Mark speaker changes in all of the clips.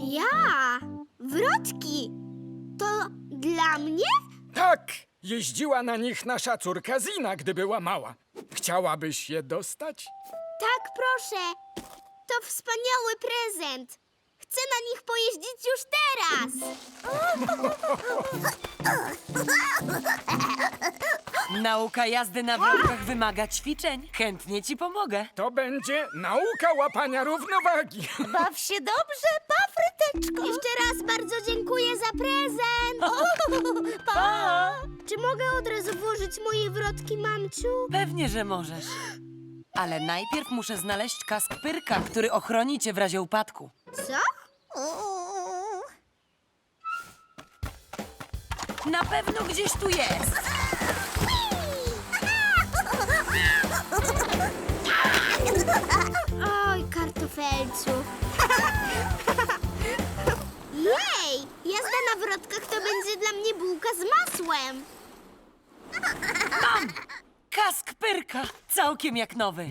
Speaker 1: Ja? Wrotki? To dla mnie?
Speaker 2: Tak, jeździła na nich nasza córka Zina, gdy była mała. Chciałabyś je dostać?
Speaker 1: Tak, proszę. To wspaniały prezent. Chcę na nich pojeździć już teraz.
Speaker 3: Nauka jazdy na wrotkach wymaga ćwiczeń. Chętnie ci pomogę.
Speaker 2: To będzie nauka łapania równowagi.
Speaker 1: Baw się dobrze, pa, Fryteczko. Jeszcze raz bardzo dziękuję za prezent. Pa. Czy mogę od razu włożyć moje wrotki, mamciu?
Speaker 3: Pewnie, że możesz. Ale najpierw muszę znaleźć kask Pyrka, który ochroni cię w razie upadku.
Speaker 1: Co?
Speaker 3: Na pewno gdzieś tu jest.
Speaker 1: Oj, kartofelcu. Jej! Jazda na wrotkach to będzie dla mnie bułka z masłem.
Speaker 3: Kask Pyrka, całkiem jak nowy.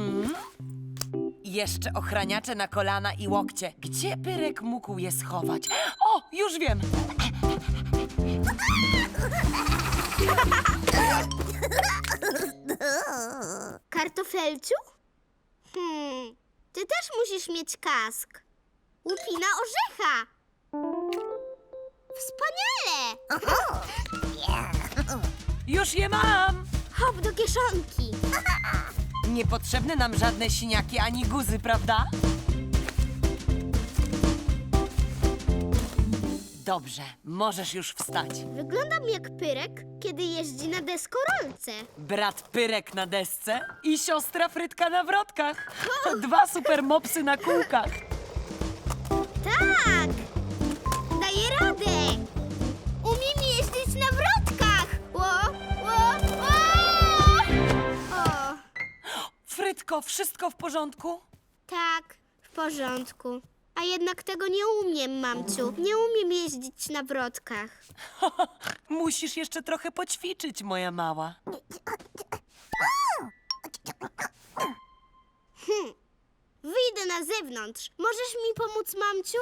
Speaker 3: Jeszcze ochraniacze na kolana i łokcie. Gdzie Pyrek mógł je schować? O, już wiem.
Speaker 1: Kartofelciu? Ty też musisz mieć kask. Łupina orzecha. Wspaniale!
Speaker 3: Już je mam.
Speaker 1: Hop do kieszonki.
Speaker 3: Niepotrzebne nam żadne siniaki ani guzy, prawda? Dobrze, możesz już wstać.
Speaker 1: Wyglądam jak Pyrek, kiedy jeździ na deskorolce.
Speaker 3: Brat Pyrek na desce i siostra Frytka na wrotkach. Dwa super mopsy na kółkach.
Speaker 1: Tak! Daję radę! Umiem jeździć na wrotkach! O!
Speaker 3: Frytko, wszystko w porządku?
Speaker 1: Tak, w porządku. A jednak tego nie umiem, mamciu. Nie umiem jeździć na wrotkach.
Speaker 3: Musisz jeszcze trochę poćwiczyć, moja mała.
Speaker 1: Wyjdę na zewnątrz. Możesz mi pomóc, mamciu?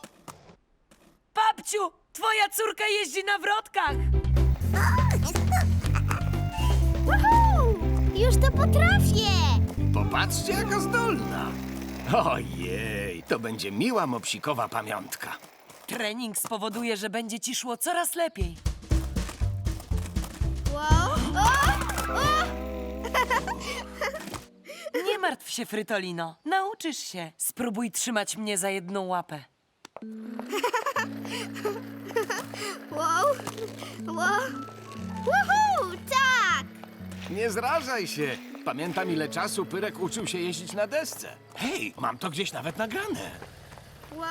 Speaker 3: Babciu, twoja córka jeździ na wrotkach.
Speaker 1: Woohoo! Już to potrafię!
Speaker 4: Popatrzcie, jaka zdolna. Ojej, to będzie miła mopsikowa pamiątka.
Speaker 3: Trening spowoduje, że będzie ci szło coraz lepiej.
Speaker 1: Wow! O!
Speaker 3: Nie martw się, Frytolino. Nauczysz się. Spróbuj trzymać mnie za jedną łapę.
Speaker 1: Wow! Wow! Woohoo! Tak!
Speaker 4: Nie zrażaj się. Pamiętam, ile czasu Pyrek uczył się jeździć na desce. Hej, mam to gdzieś nawet nagrane.
Speaker 1: Wow!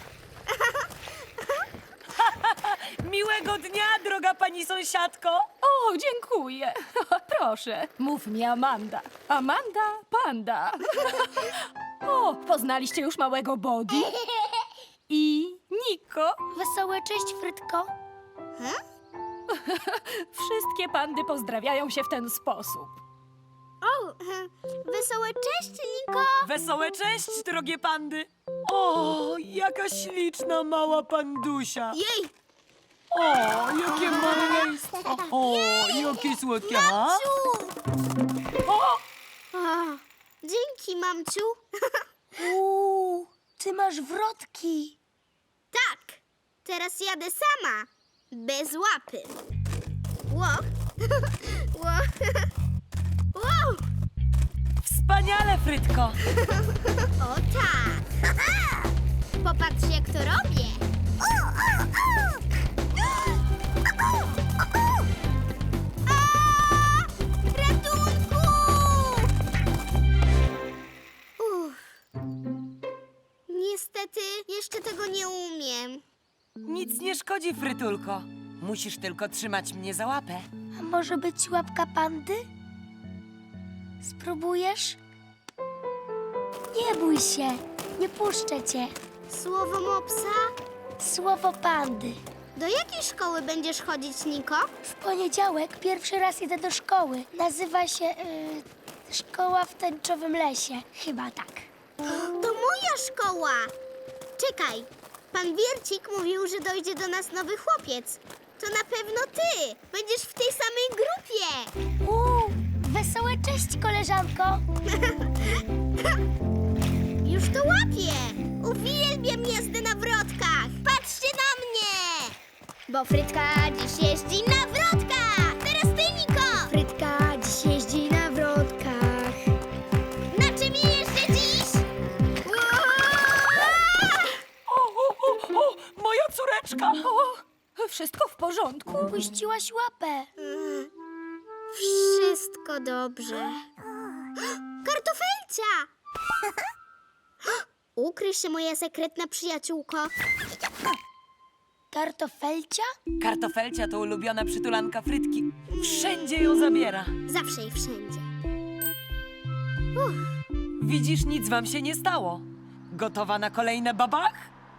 Speaker 3: Miłego dnia, droga pani sąsiadko.
Speaker 5: O, dziękuję. Proszę, mów mi Amanda. Amanda, panda. O, poznaliście już małego Body? I Niko.
Speaker 1: Wesołe cześć, Frytko.
Speaker 5: Wszystkie pandy pozdrawiają się w ten sposób.
Speaker 1: O, wesołe cześć, Niko.
Speaker 3: Wesołe cześć, drogie pandy. O, jaka śliczna mała pandusia.
Speaker 1: Jej!
Speaker 3: O, jakie maleństwo. O, jakie słodkie. A? O,
Speaker 1: Dzięki, mamciu.
Speaker 5: Ty masz wrotki.
Speaker 1: Tak, teraz jadę sama. Bez łapy. Ło. Ło. Wow.
Speaker 3: wspaniale, Frytko.
Speaker 1: O tak. Popatrz, jak to robię. A! Ratunku! Niestety, jeszcze tego nie umiem.
Speaker 3: Nic nie szkodzi, Frytulko. Musisz tylko trzymać mnie za łapę.
Speaker 6: A może być łapka pandy? Spróbujesz? Nie bój się, nie puszczę cię.
Speaker 1: Słowo mopsa?
Speaker 6: Słowo pandy.
Speaker 1: Do jakiej szkoły będziesz chodzić, Niko?
Speaker 6: W poniedziałek pierwszy raz idę do szkoły. Nazywa się Szkoła w Tęczowym Lesie. Chyba tak.
Speaker 1: To moja szkoła. Czekaj, Pan Wiercik mówił, że dojdzie do nas nowy chłopiec. To na pewno ty. Będziesz w tej samej grupie.
Speaker 6: Wesołe cześć, koleżanko.
Speaker 1: Już to łapię. Uwielbiam jazdę na wrotkach. Patrzcie na mnie. Bo Frytka dziś jeździ na wrotkach. Teraz ty, Niko.
Speaker 6: Frytka dziś jeździ na wrotkach.
Speaker 1: Na czym jeżdżę dziś?
Speaker 3: O, moja córeczka!
Speaker 5: Wszystko w porządku.
Speaker 6: Puściłaś łapę.
Speaker 1: Wszystko dobrze. Kartofelcia! Ukryj się, moja sekretna przyjaciółko.
Speaker 6: Kartofelcia?
Speaker 3: Kartofelcia to ulubiona przytulanka Frytki. Wszędzie ją zabiera.
Speaker 1: Zawsze i wszędzie.
Speaker 3: Widzisz, nic wam się nie stało. Gotowa na kolejne babach?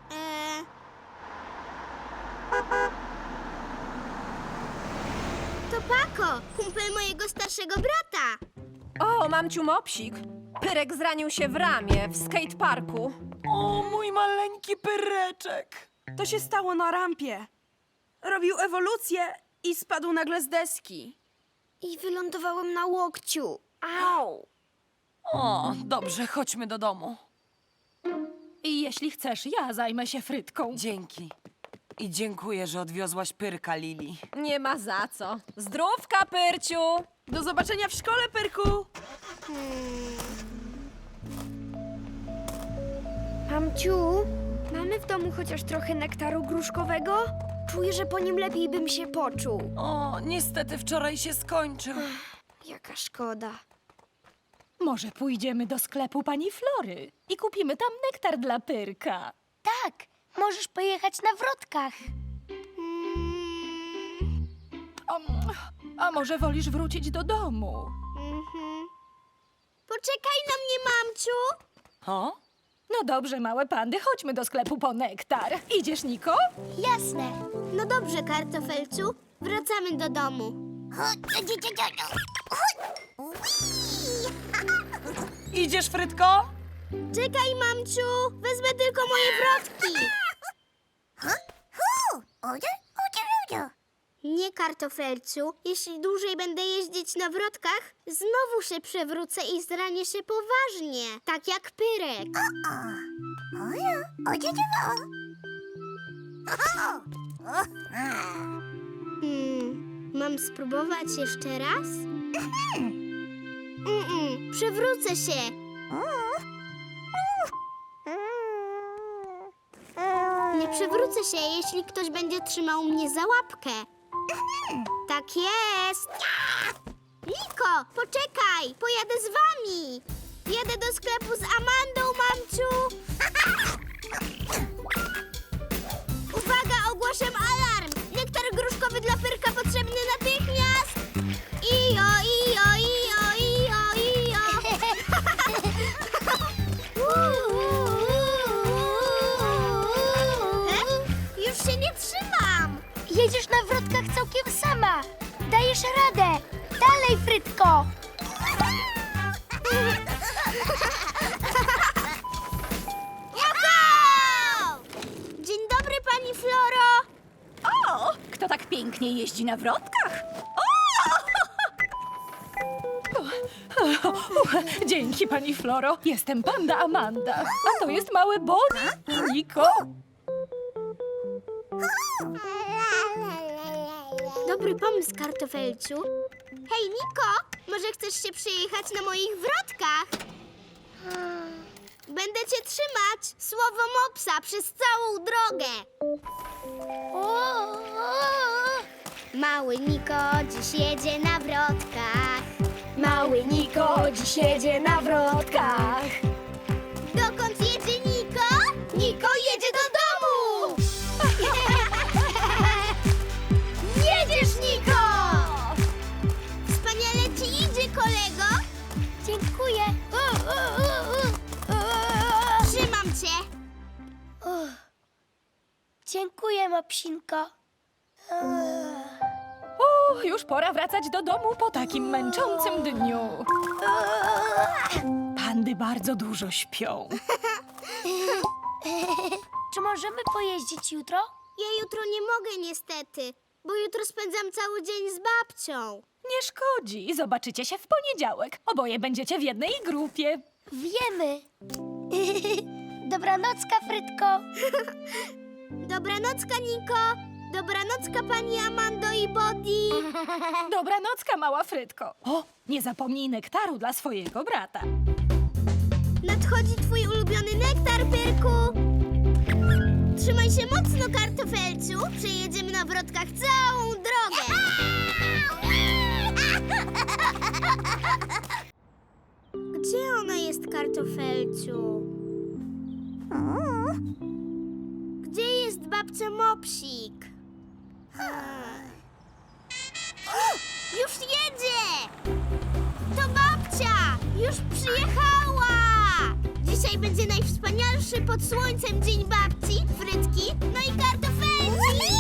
Speaker 1: To Pako, kumpel mojego starszego brata.
Speaker 7: O, mamciu Mopsik. Pyrek zranił się w ramię w skateparku.
Speaker 3: O, mój maleńki pyreczek.
Speaker 8: To się stało na rampie. Robił ewolucję i spadł nagle z deski.
Speaker 1: I wylądowałem na łokciu. Au!
Speaker 3: O, dobrze, chodźmy do domu.
Speaker 5: I jeśli chcesz, ja zajmę się Frytką.
Speaker 3: Dzięki. I dziękuję, że odwiozłaś Pyrka, Lili.
Speaker 7: Nie ma za co. Zdrówka, Pyrciu!
Speaker 8: Do zobaczenia w szkole, Pyrku!
Speaker 9: Mamciu, mamy w domu chociaż trochę nektaru gruszkowego? Czuję, że po nim lepiej bym się poczuł.
Speaker 3: O, niestety wczoraj się skończył.
Speaker 9: Jaka szkoda.
Speaker 5: Może pójdziemy do sklepu pani Flory i kupimy tam nektar dla Pyrka.
Speaker 6: Tak, możesz pojechać na wrotkach.
Speaker 5: A może wolisz wrócić do domu?
Speaker 1: Poczekaj na mnie, mamciu.
Speaker 3: O?
Speaker 5: No dobrze, małe pandy, chodźmy do sklepu po nektar. Idziesz, Niko?
Speaker 6: Jasne.
Speaker 1: No dobrze, kartofelciu. Wracamy do domu.
Speaker 3: Idziesz, Frytko?
Speaker 1: Czekaj, mamciu. Wezmę tylko moje wrotki. Nie, kartofelciu. Jeśli dłużej będę jeździć na wrotkach, znowu się przewrócę i zranię się poważnie. Tak jak Pyrek. Mam spróbować jeszcze raz? Przewrócę się. Nie przewrócę się, jeśli ktoś będzie trzymał mnie za łapkę. Tak jest. Niko, poczekaj, pojadę z wami. Jadę do sklepu z Amandą, mamciu. Uwaga, ogłaszam alarm. Nektar gruszkowy dla Pyrka potrzebny natychmiast. Ijo, ijo, ijo, ijo, ijo. Już się nie trzymam.
Speaker 6: Jedziesz na wrotkach całkiem sama. Dajesz radę. Dalej, Frytko.
Speaker 1: Juhu! Dzień dobry, pani Floro.
Speaker 5: O, kto tak pięknie jeździ na wrotkach? Dzięki, pani Floro. Jestem panda Amanda, a to jest mały Bonnie i Niko.
Speaker 1: Dobry pomysł, kartofelciu. Hej, Niko, może chcesz się przyjechać na moich wrotkach? Będę cię trzymać, słowo mopsa, przez całą drogę. Mały Niko dziś jedzie na wrotkach.
Speaker 9: Mały Niko dziś jedzie na wrotkach.
Speaker 1: Dokąd jedzie Niko? Niko jedzie do domu! Jedziesz, Niko! Wspaniale ci idzie, kolego!
Speaker 6: Dziękuję.
Speaker 1: Trzymam cię!
Speaker 6: Dziękuję, Mopsinko.
Speaker 5: O, już pora wracać do domu po takim męczącym dniu. Pandy bardzo dużo śpią.
Speaker 6: Czy możemy pojeździć jutro?
Speaker 1: Ja jutro nie mogę niestety, bo jutro spędzam cały dzień z babcią.
Speaker 5: Nie szkodzi, zobaczycie się w poniedziałek. Oboje będziecie w jednej grupie.
Speaker 6: Wiemy. Dobranocka, Frytko.
Speaker 1: Dobranocka, Niko. Dobranocka, pani Amando i Bodi.
Speaker 5: Dobranocka, mała Frytko. O, nie zapomnij nektaru dla swojego brata.
Speaker 1: Nadchodzi twój ulubiony nektar, Pyrku. Trzymaj się mocno, kartofelciu. Przejedziemy na wrotkach całą drogę. Gdzie ona jest, kartofelciu? Gdzie jest babcia Mopsik? Już jedzie! To babcia! Już przyjechała! Dzisiaj będzie najwspanialszy pod słońcem dzień babci, Frytki, no i kartofelci!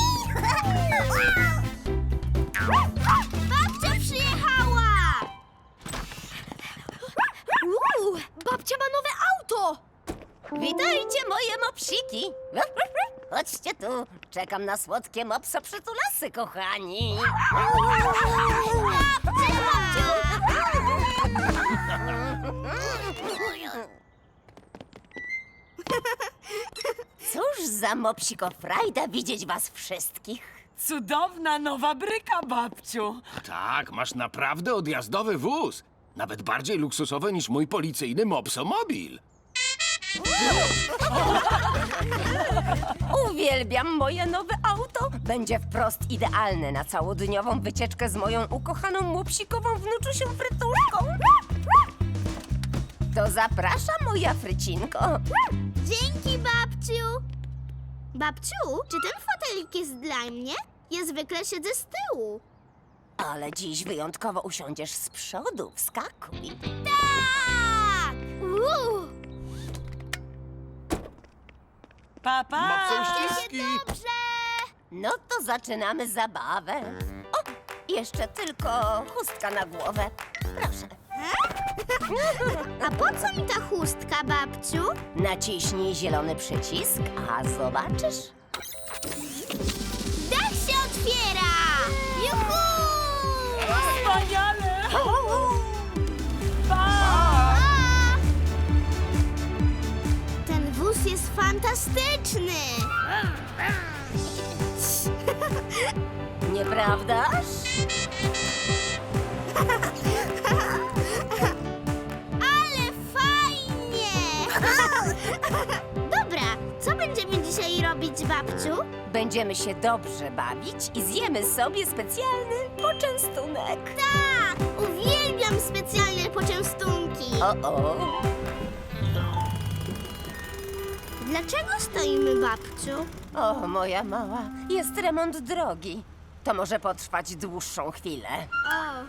Speaker 1: Babcia przyjechała!
Speaker 9: Babcia ma nowe auto!
Speaker 10: Witajcie, moje mopsiki! Chodźcie tu, czekam na słodkie mopso przytulasy, kochani! Cóż za mopsiko frajda widzieć was wszystkich!
Speaker 3: Cudowna nowa bryka, babciu.
Speaker 4: Tak, masz naprawdę odjazdowy wóz. Nawet bardziej luksusowy niż mój policyjny Mopsomobil.
Speaker 10: Uwielbiam moje nowe auto! Będzie wprost idealne na całodniową wycieczkę z moją ukochaną mopsikową wnuczusią Frytuszką. To zapraszam, moja Frycinko.
Speaker 1: Dzięki, babciu! Babciu, czy ten fotelik jest dla mnie? Ja zwykle siedzę z tyłu.
Speaker 10: Ale dziś wyjątkowo usiądziesz z przodu. Wskakuj.
Speaker 1: Tak!
Speaker 3: Papa!
Speaker 1: Dobrze!
Speaker 10: No to zaczynamy zabawę. O, jeszcze tylko chustka na głowę. Proszę.
Speaker 1: A po co mi ta chustka, babciu?
Speaker 10: Naciśnij zielony przycisk, a zobaczysz.
Speaker 1: Dach się otwiera! Juhu!
Speaker 3: Wspaniale! Pa!
Speaker 1: A! Ten wóz jest fantastyczny!
Speaker 10: Nieprawdaż?
Speaker 1: Ale fajnie! Dobra, co będziemy dzisiaj robić, babciu?
Speaker 10: Będziemy się dobrze bawić i zjemy sobie specjalny poczęstunek.
Speaker 1: Tak! Uwielbiam specjalne poczęstunki!
Speaker 10: O.
Speaker 1: Dlaczego stoimy, babciu?
Speaker 10: O, moja mała, jest remont drogi. To może potrwać dłuższą chwilę.
Speaker 1: O,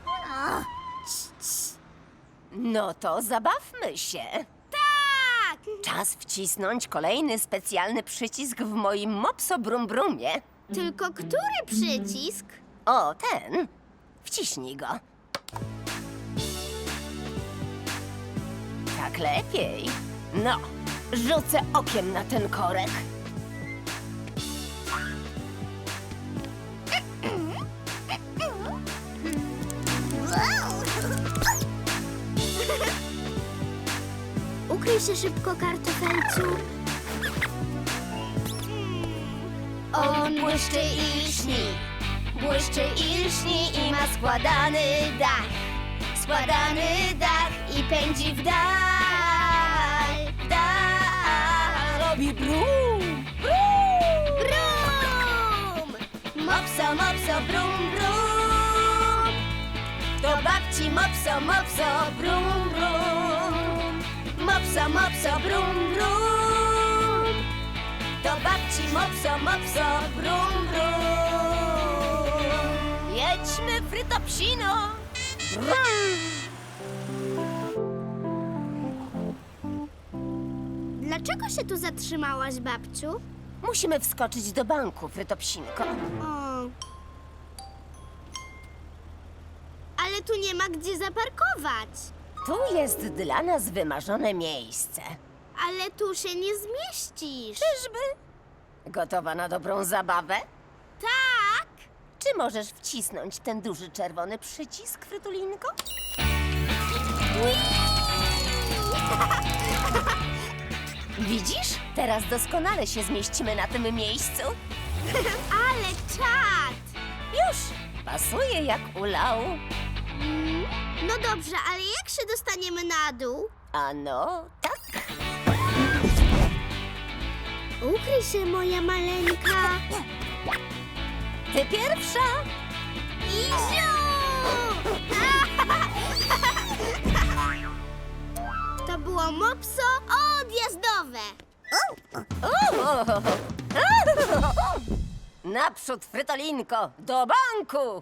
Speaker 10: No to zabawmy się.
Speaker 1: tak!
Speaker 10: Czas wcisnąć kolejny specjalny przycisk w moim Mopso Brum Brumie.
Speaker 1: Tylko który przycisk?
Speaker 10: O, ten. Wciśnij go. Tak lepiej. No, rzucę okiem na ten korek.
Speaker 1: Ukryj się szybko, kartofelciu. On błyszczy i lśni, błyszczy i lśni i ma składany dach. Składany dach i pędzi w dal, w dal.
Speaker 10: Robi brum.
Speaker 1: Brum! Mopso, mopso, brum, brum.
Speaker 10: Do babci Mopso, Mopso, brum, brum.
Speaker 1: Mopso, mopso, brum, brum.
Speaker 10: Do babci Mopso, Mopso, brum, brum. Jedźmy, Frytopsino.
Speaker 1: Dlaczego się tu zatrzymałaś, babciu?
Speaker 10: Musimy wskoczyć do banku, Frytopsinko.
Speaker 1: O. Ale tu nie ma gdzie zaparkować.
Speaker 10: Tu jest dla nas wymarzone miejsce.
Speaker 1: Ale tu się nie zmieścisz.
Speaker 10: Czyżby? Gotowa na dobrą zabawę?
Speaker 1: Tak.
Speaker 10: Czy możesz wcisnąć ten duży czerwony przycisk, Frytulinko? Widzisz? Teraz doskonale się zmieścimy na tym miejscu.
Speaker 1: Ale czad.
Speaker 10: Już! Pasuje jak u Lau.
Speaker 1: No dobrze, ale jak się dostaniemy na dół?
Speaker 10: Ano, tak.
Speaker 1: Ukryj się, moja maleńka.
Speaker 10: Ty pierwsza!
Speaker 1: Iziu! To było mopso odjazdowe.
Speaker 10: Naprzód, Frytolinko! Do banku!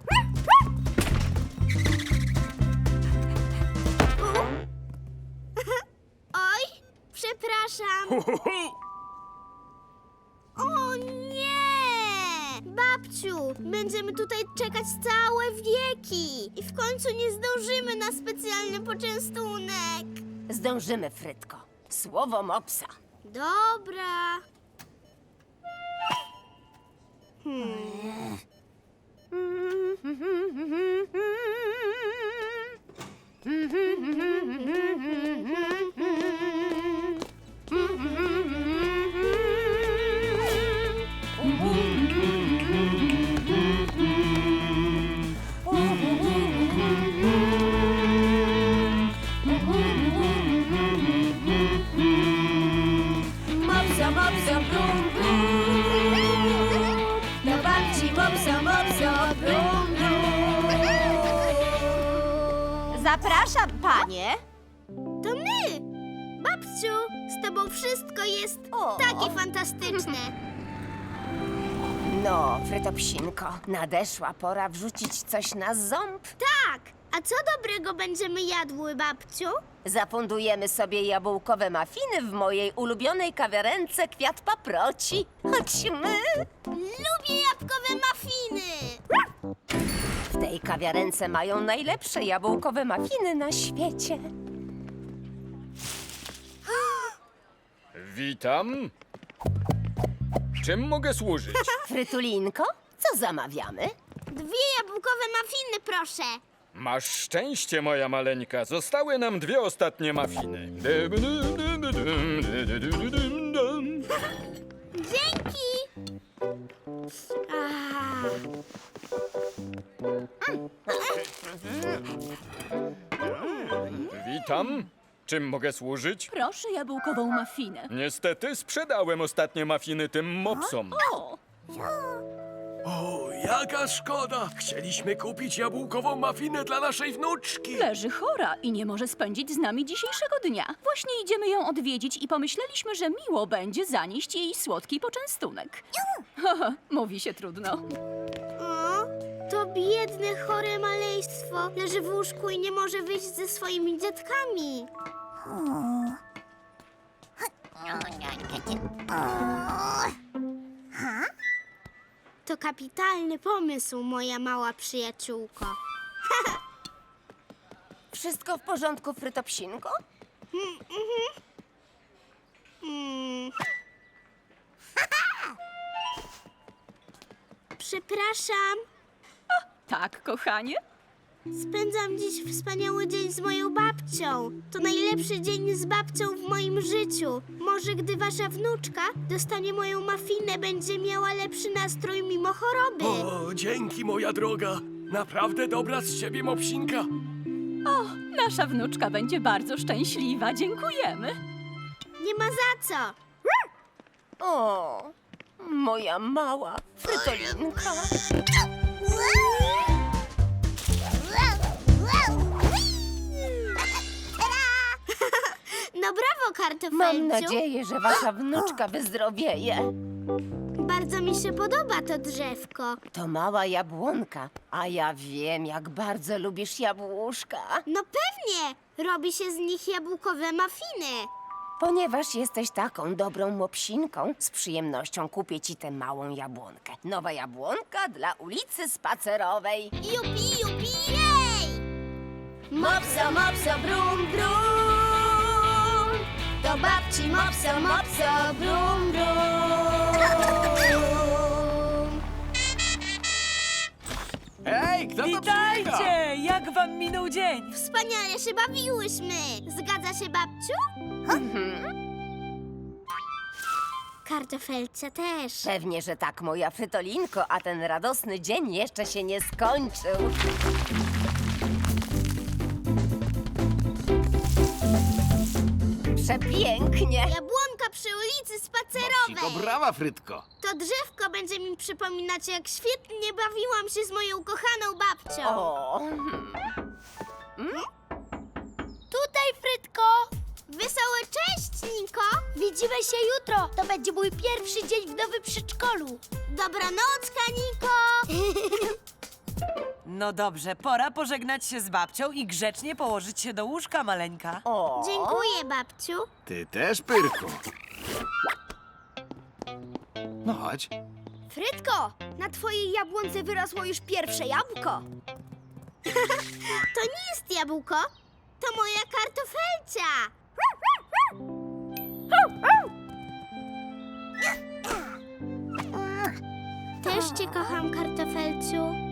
Speaker 1: Oj, przepraszam. O nie! Babciu, będziemy tutaj czekać całe wieki i w końcu nie zdążymy na specjalny poczęstunek.
Speaker 10: Zdążymy, Frytko. Słowo mopsa.
Speaker 1: Dobra.
Speaker 10: Mopsa, mopsa, brum, brum. Do babci mopsa, mopsa, brum, brum.
Speaker 7: Zapraszam, panie.
Speaker 1: To my! Babciu, z tobą wszystko jest
Speaker 10: O.
Speaker 1: takie fantastyczne.
Speaker 10: No, Frytopsinko, nadeszła pora wrzucić coś na ząb.
Speaker 1: Tak! A co dobrego będziemy jadły, babciu?
Speaker 10: Zapundujemy sobie jabłkowe mafiny w mojej ulubionej kawiarence Kwiat Paproci. Chodźmy!
Speaker 1: Lubię jabłkowe mafiny!
Speaker 10: W tej kawiarence mają najlepsze jabłkowe mafiny na świecie.
Speaker 2: Witam. Czym mogę służyć?
Speaker 10: Frytulinko, co zamawiamy?
Speaker 1: 2 jabłkowe mafiny, proszę.
Speaker 2: Masz szczęście, moja maleńka. Zostały nam 2 ostatnie mafiny.
Speaker 1: Dzięki!
Speaker 2: Witam. Czym mogę służyć?
Speaker 5: Proszę jabłkową mafinę.
Speaker 2: Niestety sprzedałem ostatnie mafiny tym mopsom.
Speaker 5: O,
Speaker 4: O, jaka szkoda! Chcieliśmy kupić jabłkową mafinę dla naszej wnuczki.
Speaker 5: leży chora i nie może spędzić z nami dzisiejszego dnia. Właśnie idziemy ją odwiedzić i pomyśleliśmy, że miło będzie zanieść jej słodki poczęstunek. Haha, mówi się trudno.
Speaker 1: O, to biedne, chore maleństwo. Leży w łóżku i nie może wyjść ze swoimi dziadkami. To kapitalny pomysł, moja mała przyjaciółko.
Speaker 10: Wszystko w porządku, Frytopsinko?
Speaker 1: Przepraszam,
Speaker 5: Tak, kochanie?
Speaker 1: spędzam dziś wspaniały dzień z moją babcią. To najlepszy dzień z babcią w moim życiu. Może gdy wasza wnuczka dostanie moją mafinę, będzie miała lepszy nastrój mimo choroby.
Speaker 4: O, dzięki, moja droga. Naprawdę dobra z ciebie mopsinka.
Speaker 5: O, nasza wnuczka będzie bardzo szczęśliwa. Dziękujemy.
Speaker 1: Nie ma za co.
Speaker 10: O, moja mała Frytolinka.
Speaker 1: No brawo, kartofelciu.
Speaker 10: Mam nadzieję, że wasza wnuczka wyzdrowieje.
Speaker 1: Bardzo mi się podoba to drzewko.
Speaker 10: To mała jabłonka, a ja wiem, jak bardzo lubisz jabłuszka.
Speaker 1: No pewnie, robi się z nich jabłkowe mafiny.
Speaker 10: Ponieważ jesteś taką dobrą mopsinką, z przyjemnością kupię ci tę małą jabłonkę. Nowa jabłonka dla ulicy Spacerowej.
Speaker 1: Jupi, jupi, jej!
Speaker 10: Mopsa, mopsa, brum, brum.
Speaker 1: Do babci mopso, mopso, brum, brum.
Speaker 4: Hej, kto to przybiega?
Speaker 3: Witajcie! Jak wam minął dzień?
Speaker 1: Wspaniale się bawiłyśmy. Zgadza się, babciu? Kartofelce też.
Speaker 10: Pewnie, że tak, moja Frytolinko, a ten radosny dzień jeszcze się nie skończył. Przepięknie.
Speaker 1: Jabłonka przy ulicy
Speaker 4: Siko,
Speaker 1: Spacerowej.
Speaker 4: brawa, Frytko.
Speaker 1: To drzewko będzie mi przypominać, jak świetnie bawiłam się z moją kochaną babcią.
Speaker 10: O,
Speaker 6: Tutaj, Frytko!
Speaker 1: Wesołe cześć, Niko.
Speaker 6: Widzimy się jutro. To będzie mój pierwszy dzień w nowym przedszkolu.
Speaker 1: Dobranocka, Niko.
Speaker 3: No dobrze, pora pożegnać się z babcią i grzecznie położyć się do łóżka, maleńka.
Speaker 10: o.
Speaker 1: Dziękuję, babciu.
Speaker 4: Ty też, Pyrku. No chodź.
Speaker 9: Frytko, na twojej jabłonce wyrosło już pierwsze jabłko.
Speaker 1: To nie jest jabłko, to moja kartofelcia. Też cię kocham, kartofelciu.